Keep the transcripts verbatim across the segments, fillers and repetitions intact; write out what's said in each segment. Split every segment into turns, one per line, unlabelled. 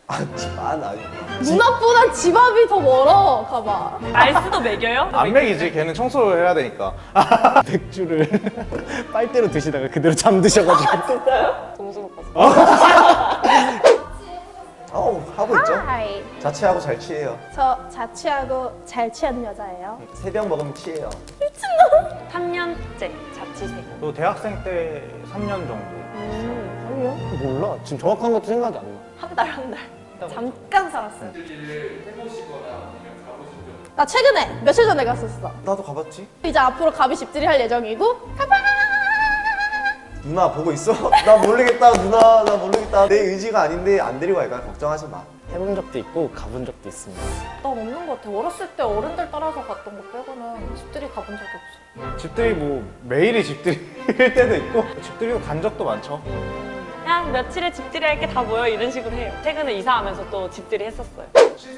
아, 집안 아니.
누나보다 집 앞이 더 멀어. 가봐.
알스도 먹여요?
안 먹이지. 걔는 청소를 해야 되니까.
맥주를 빨대로 드시다가 그대로 잠드셔가지고.
진짜요? 점수 못 봤어.
어, 하고 있죠.
하이.
자취하고 잘 취해요.
저 자취하고 잘 취하는 여자예요.
세 병 먹으면 취해요.
삼 년째 자취생.
또 대학생 때 삼 년 정도.
음,
몰라. 지금 정확한 것도 생각이 안 나.
한 달, 한 달. 잠깐 살았어요.
나 최근에 며칠 전에 갔었어.
나도 가봤지.
이제 앞으로 가비 집들이 할 예정이고.
누나 보고 있어? 나 모르겠다 누나 나 모르겠다. 내 의지가 아닌데 안 데리고 갈까? 걱정하지 마.
해본 적도 있고 가본 적도 있습니다.
난 없는 것 같아. 어렸을 때 어른들 따라서 갔던 거 빼고는 집들이 가본 적이 없어.
집들이 뭐 매일이 집들이일 때도 있고 집들이로 간 적도 많죠.
그냥 며칠에 집들이 할 게 다 모여 이런 식으로 해요. 최근에 이사하면서 또 집들이 했었어요.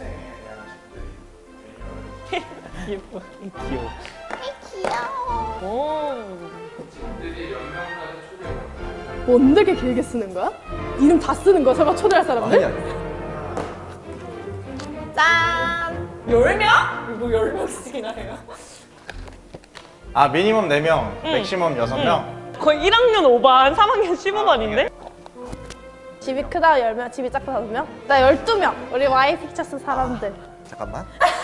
예뻐.
귀여워.
오.
뭔데 이렇게 길게 쓰는 거야? 이름 다 쓰는 거야? 설마 초대할 사람들?
아니 아니.
짠!
열 명? 이거 열 명씩이나 해요?
아 미니멈 네 명,
응.
맥시멈 여섯 명.
거의 일 학년 오 반, 삼 학년 십오 반인데?
집이 크다 열 명, 집이 작다 다섯 명? 나 열두 명! 우리 와이 픽처스 사람들.
잠깐만.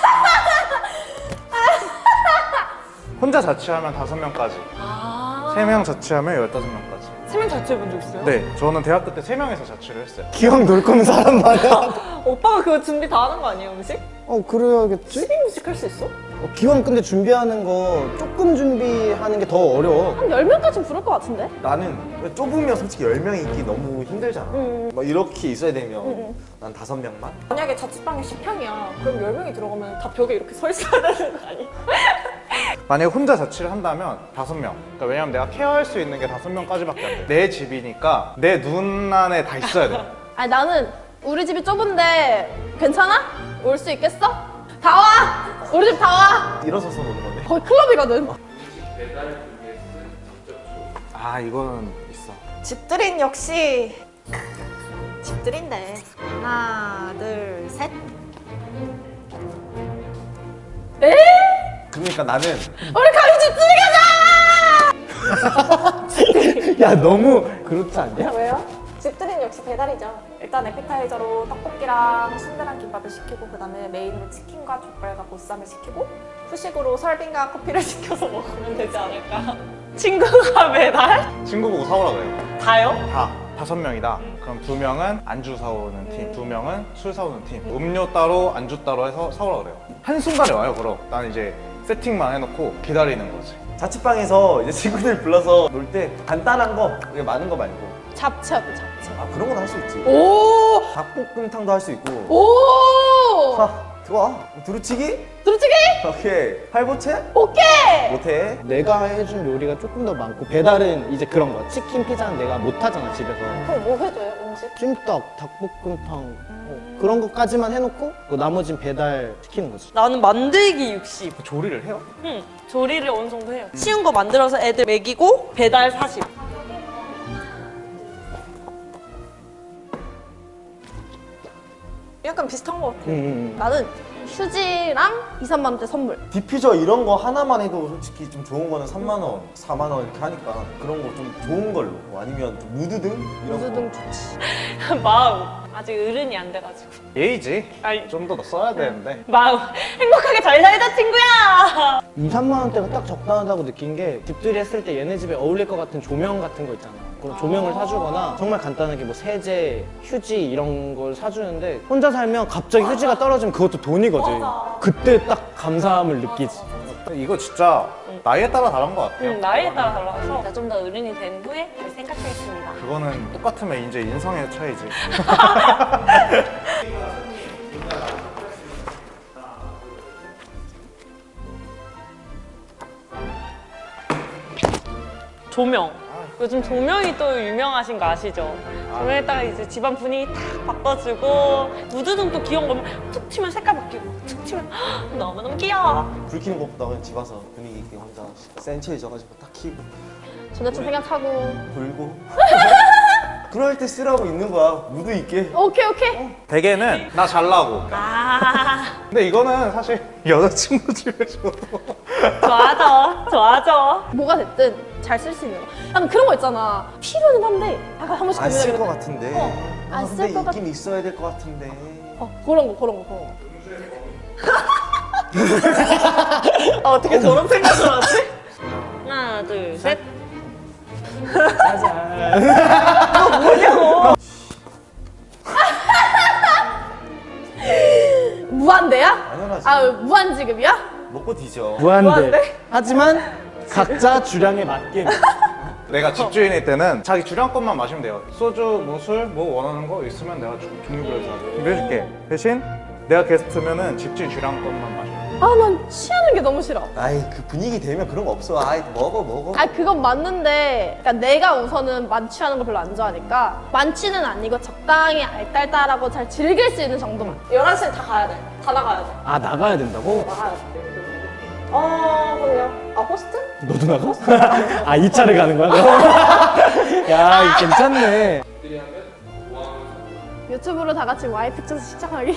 혼자 자취하면 다섯 명까지.
아.
세 명 자취하면 열다섯 명까지.
세 명 자취해본 적 있어요?
네, 저는 대학교 때 세 명에서 자취를 했어요.
기왕 놀 거면 사람 많아.
오빠가 그거 준비 다 하는 거 아니에요, 음식?
어, 그래야겠지?
튀김 음식 할 수 있어?
어, 기왕 근데 준비하는 거 조금 준비하는 게 더 어려워.
한 열 명까지는 부를 것 같은데?
나는 좁으면 솔직히 열 명 있기 너무 힘들잖아. 막 이렇게 있어야 되면 난 다섯 명만?
만약에 자취방이 십 평이야. 그럼 열 명이 들어가면 다 벽에 이렇게 서 있어야 되는 거 아니야?
만약에 혼자 자취를 한다면 다섯 명. 그러니까 왜냐면 내가 케어할 수 있는 게 다섯 명까지밖에 안 돼. 내 집이니까 내 눈 안에 다 있어야 돼.
아니 나는 우리 집이 좁은데 괜찮아? 올 수 있겠어? 다 와! 우리 집 다 와!
일어서서 노는 건데.
거의 클럽이거든.
아 이거는 있어.
집들인 역시 집들인데. 하나, 둘, 셋.
에?
그러니까 나는
우리 가비 집들이 가자!
야, 너무 그렇지 않냐?
왜요? 집들인 역시 배달이죠. 일단 에피타이저로 떡볶이랑 순대랑 김밥을 시키고 그 다음에 메인으로 치킨과 족발과 보쌈을 시키고 후식으로 설빙과 커피를 시켜서 먹으면 되지 않을까? 친구가 배달?
친구 보고 사오라 그래요.
다요?
다 다섯 명이다. 그럼 두 명은 안주 사오는 팀, 두 명은 술 사오는 팀. 음료 따로, 안주 따로 해서 사오라 그래요. 한 순간에 와요. 그럼 난 이제 세팅만 해놓고 기다리는 거지.
자취방에서 이제 친구들 불러서 놀 때 간단한 거, 그게 많은 거 말고.
잡채 어때 잡채?
아 그런 건 할 수 있지.
오!
닭볶음탕도 할 수 있고.
오!
아, 좋아. 두루치기?
두루치기?
오케이. 팔보채?
오케이!
못해.
내가 해준 요리가 조금 더 많고 배달은 이제 그런 거야. 치킨, 피자는 내가 못 하잖아, 집에서.
그럼 뭐 해줘요, 음식?
찜닭, 닭볶음탕 어, 그런 것까지만 해놓고 그 나머진 배달 시키는 거지.
나는 만들기 육십.
조리를 해요?
응, 조리를 어느 정도 해요. 쉬운 거 만들어서 애들 먹이고 배달 사십. 약간 비슷한 거 같아.
음,
나는 휴지랑 이, 삼만 원대 선물.
디퓨저 이런 거 하나만 해도 솔직히 좀 좋은 거는 삼만 원, 사만 원 이렇게 하니까 그런 거 좀 좋은 걸로. 뭐 아니면 좀 무드등? 이런 거.
무드등 좋지.
마음. 아직 어른이 안 돼가지고.
예의지.
아니.
좀 더 써야 되는데.
마음. 행복하게 잘 살자, 친구야!
이, 삼만 원대가 딱 적당하다고 느낀 게 집들이 했을 때 얘네 집에 어울릴 것 같은 조명 같은 거 있잖아. 그런 조명을 사주거나 정말 간단하게 뭐 세제, 휴지 이런 걸 사주는데 혼자 살면 갑자기 휴지가 떨어지면 그것도 돈이거든. 그때 딱 감사함을 느끼지.
이거 진짜 나이에 따라 다른 것 같아요.
응, 나이에 따라 달라서 좀 더 어른이 된 후에 잘 생각하겠습니다.
그거는 똑같으면 이제 인성의 차이지.
조명. 요즘 조명이 또 유명하신 거 아시죠? 조명에다가 이제 집안 분위기 탁 바꿔주고 무드등 또 귀여운 거면 툭 튀면 색깔 바뀌고 툭 튀면 헉, 너무너무 귀여워.
불 켜는 것보다 그냥 집 와서 분위기 있게 혼자 센치해져가지고 딱 켜고
전자책 생각하고.
불고 그럴 때 쓰라고 있는 거야. 무드 있게.
오케이 오케이.
대개는 나 잘나고.
아,
근데 이거는 사실 여자친구 집에 줘도
좋아져, 좋아져.
뭐가 됐든 잘 쓸 수 있는 거. 약간 그런 거 있잖아. 필요는 한데 약간 한 번씩
안 쓸 것
고민하게
같은데.
어,
아,
안
근데
쓸 것 같-
있긴 있어야 될 것 같은데.
어 그런 거 그런 거 그런 거.
아, 어떻게 저런 생각을 하지? 하나, 둘, 셋.
무한대야?
당연하지.
아 무한 지급이야?
먹고 뒤져.
무한대. 하지만 각자 주량에 맞게.
내가 집주인일 때는 자기 주량권만 마시면 돼요. 소주, 뭐 술, 뭐 원하는 거 있으면 내가 주- 종류별로 다 준비해줄게. 대신 내가 게스트면은 집주인 주량권만 마셔.
아 난 취하는 게 너무 싫어.
아이 그 분위기 되면 그런 거 없어. 아이 먹어 먹어.
아 그건 맞는데 그러니까 내가 우선은 만취하는 걸 별로 안 좋아하니까 만취는 아니고 적당히 알딸딸하고 잘 즐길 수 있는 정도만.
열한 시에 다 가야 돼. 다 나가야 돼.
아 나가야 된다고?
나가야 돼. 어, 그럼요. 아, 호스트?
너도 나가? 아 이 차를 가는 거야? 야 이거 괜찮네.
유튜브로 다 같이 와이프 쳐서 시작하기.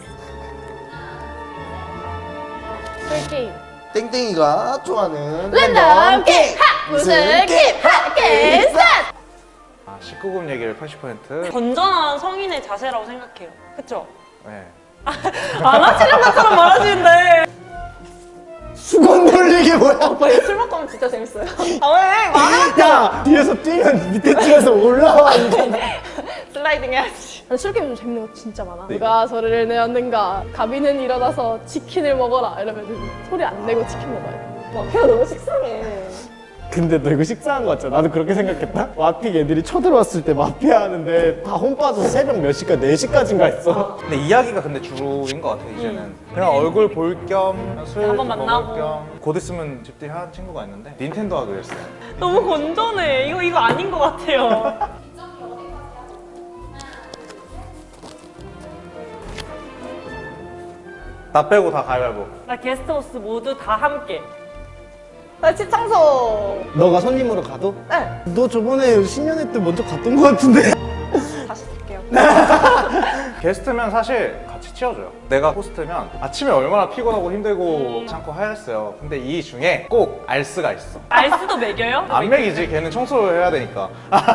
술 게임.
땡땡이가 좋아하는
랜덤 게임 하! 무슨 게임 하! 게임 스타트!
아, 십구 금 얘기를 팔십 퍼센트.
건전한 성인의 자세라고 생각해요. 그쵸?
네.
안 하시는 것처럼 말하시는데.
수건 돌리기 뭐야?
오빠 이거 술 먹고 하면 진짜 재밌어요.
아, 왜? 말하
야 뒤에서 뛰면 밑에 줄에서 올라와 있잖아.
슬라이딩 해야지.
술 게임 좀 재밌는 거 진짜 많아. 누가 소리를 내었는가? 가비는 일어나서 치킨을 먹어라. 이러면 소리 안 내고 치킨 먹어야 돼.
막 걔가 너무 식상해.
근데 너 이거 식사한 거 같잖아. 나도 그렇게 생각했다. 마픽 애들이 쳐들어왔을 때 마피아 하는데 다 혼 빠져서 새벽 몇 시까지? 네 시까지인가 했어.
근데 이야기가 근데 주로인 것 같아 이제는. 그냥 얼굴 볼 겸 술
한번
먹을
만나고.
겸. 곧 있으면 집들이 한 친구가 있는데 닌텐도 하기로 했어요.
너무 건전해. 이거, 이거 아닌 것 같아요.
나 빼고 다 가위바위보.
나 게스트하우스 모두 다 함께.
나 집창소.
너가 손님으로 가도?
네.
너 저번에 신년회 때 먼저 갔던 거 같은데.
다시 쓸게요.
게스트면 사실 같이 치워줘요. 내가 호스트면 아침에 얼마나 피곤하고 힘들고 참고 하였어요. 근데 이 중에 꼭 알스가 있어.
알스도 먹여요?
안 먹이지. 걔는 청소를 해야 되니까.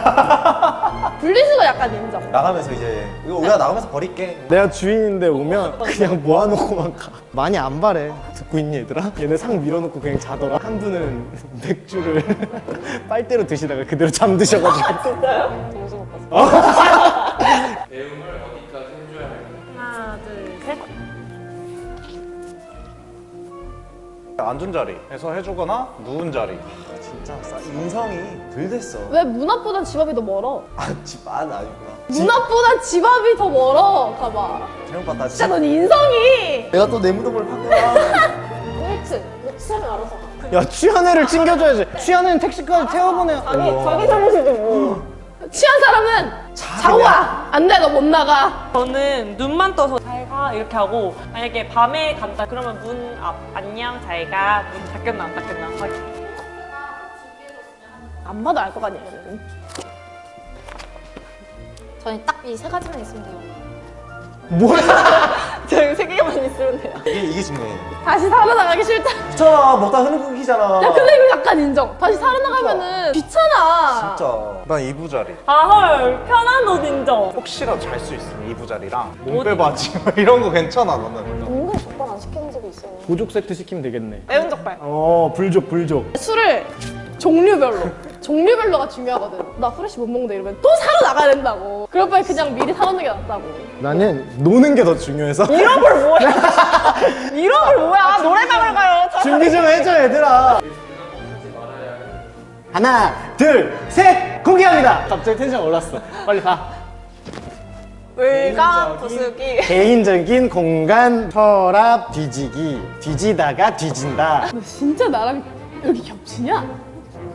분리수거 약간 인정.
나가면서 이제 이거 우리가 나가면서 버릴게.
내가 주인인데 오면 그냥 모아놓고만 가. 많이 안 바래. 듣고 있니 얘들아? 얘네 상 밀어놓고 그냥 자더라. 한 분은 맥주를 빨대로 드시다가 그대로 잠드셔가지고.
진짜요? 정신 못 봤어.
하나, 둘, 셋.
앉은 자리에서 해주거나 누운 자리.
진짜 싸- 인성이 덜 됐어.
왜 문 앞보단 집 앞이 더 멀어?
아집안 아니구나.
문 앞보단 집 앞이 더 멀어. 가봐.
잘못 봤다.
진짜 넌 인성이.
내가 또 내 무덤을 판 거야.
일 층. 뭐 취하면 알아서 가.
야 취한 애를 챙겨줘야지. 취한 애는 택시까지 태워보내.
자기, 자기 잘못이지 뭐.
취한 사람은 자고 와. 안 돼, 너 못 나가.
저는 눈만 떠서 잘 가 이렇게 하고 만약에 밤에 간다 그러면 문 앞 안녕 잘 가. 문 닫혔나 안 닫혔나 확인.
안 봐도 알 것 같냐, 얘는.
저는 딱 이 세 가지만 있으면 돼요.
뭐야?
저희 세 개만 있으면 돼요.
이게 이게 중요해.
다시 살아나가기 싫다.
귀찮아. 먹다 흐르는 끊기잖아.
야, 근데 이거 약간 인정. 다시 살아나가면은 귀찮아.
진짜.
난 이부 자리.
아 헐 편한 옷 인정.
혹시라도 잘 수 있으면 이부 자리랑 몸 빼바지 이런 거 괜찮아 너는.
은근 족발 안 시키는 집이 있어요.
보족 세트 시키면 되겠네.
매운 족발.
어 불족 불족.
술을 종류별로. 종류별로가 중요하거든. 나 후레쉬 못 먹는다 이러면 또 사러 나가야 된다고. 그럴 바에 그냥 미리 사놓는 게 낫다고.
나는 노는 게 더 중요해서.
이런 걸 뭐야? 이런 걸 뭐야? 노래방을 가요. 저-
준비 좀 해줘 얘들아. 하나 둘셋 공개합니다. 갑자기 텐션 올랐어. 빨리 가.
물감 부수기.
개인적인 공간 서랍 뒤지기. 뒤지다가 뒤진다.
너 진짜 나랑 여기 겹치냐?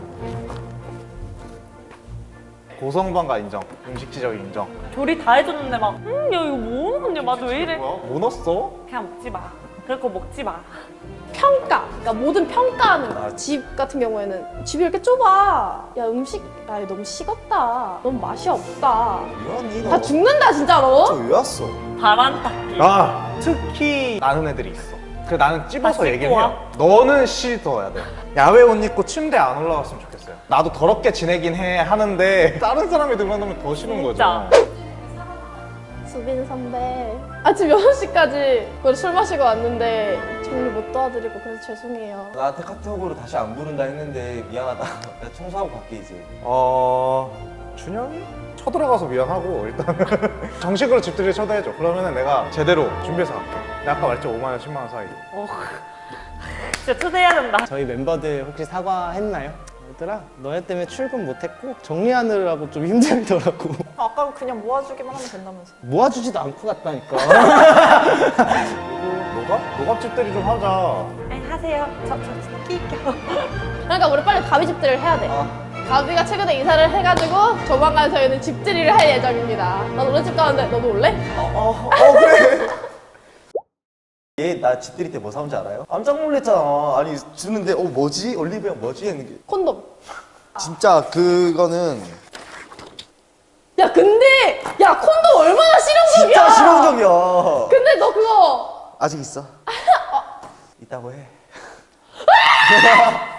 고성방가 인정. 음식 지적 인정.
조리 다 해줬는데 막 음, 야 이거 뭐 넣었냐? 맛 왜 이래?
뭐야? 뭐 넣었어?
그냥 먹지 마. 그럴 거 먹지 마.
평가, 그러니까 모든 평가하는 거.
아.
집 같은 경우에는 집이 이렇게 좁아. 야 음식, 야 이거 너무 식었다. 너무 맛이 없다.
왜 왔니 너?
다 죽는다 진짜로.
저왜 왔어?
바람 닦기.
아 특히 나는 애들이 있어. 그 나는 찝어서
아,
얘기를
씻고
해요. 너는 씻어야 돼. 야외 옷 입고 침대 안 올라갔으면 좋겠어요. 나도 더럽게 지내긴 해 하는데 다른 사람이 들어오면 더 싫은
진짜.
거죠.
수빈 선배. 아침 여섯 시까지 술 마시고 왔는데 정리 못 도와드리고 그래서 죄송해요.
나한테 카톡으로 다시 안 부른다 했는데 미안하다. 나 청소하고 갈게 이제.
어 준영이? 쳐들어가서 미안하고 일단 정식으로 집들이 초대해줘. 그러면은 내가 제대로 준비해서 갈게. 내가 아까 말했죠 오만 원, 십만 원 사이.
어. 진짜 초대해야 된다.
저희 멤버들 혹시 사과했나요? 얘들아 너네 때문에 출근 못했고 정리하느라고 좀 힘들더라고.
아까 그냥 모아주기만 하면 된다면서.
모아주지도 않고 갔다니까.
노갑? 노갑 집들이 좀 하자.
아니 하세요. 저, 저, 저 끼껴.
그러니까 우리 빨리 가비 집들이를 해야 돼. 가비가 최근에 이사를 해가지고 조만간 저희는 집들이를 할 예정입니다. 나 너네 집 가는데 너도 올래?
어, 어 그래. 얘 나 집들이 때 뭐 사온지 알아요? 깜짝 놀랐잖아. 아니 주는데 어 뭐지? 올리브영 뭐지? 했는 게
콘돔.
진짜 그거는
야 근데 야 콘돔 얼마나 실용적이야.
진짜 실용적이야.
근데 너 그거
아직 있어? 있다고 해.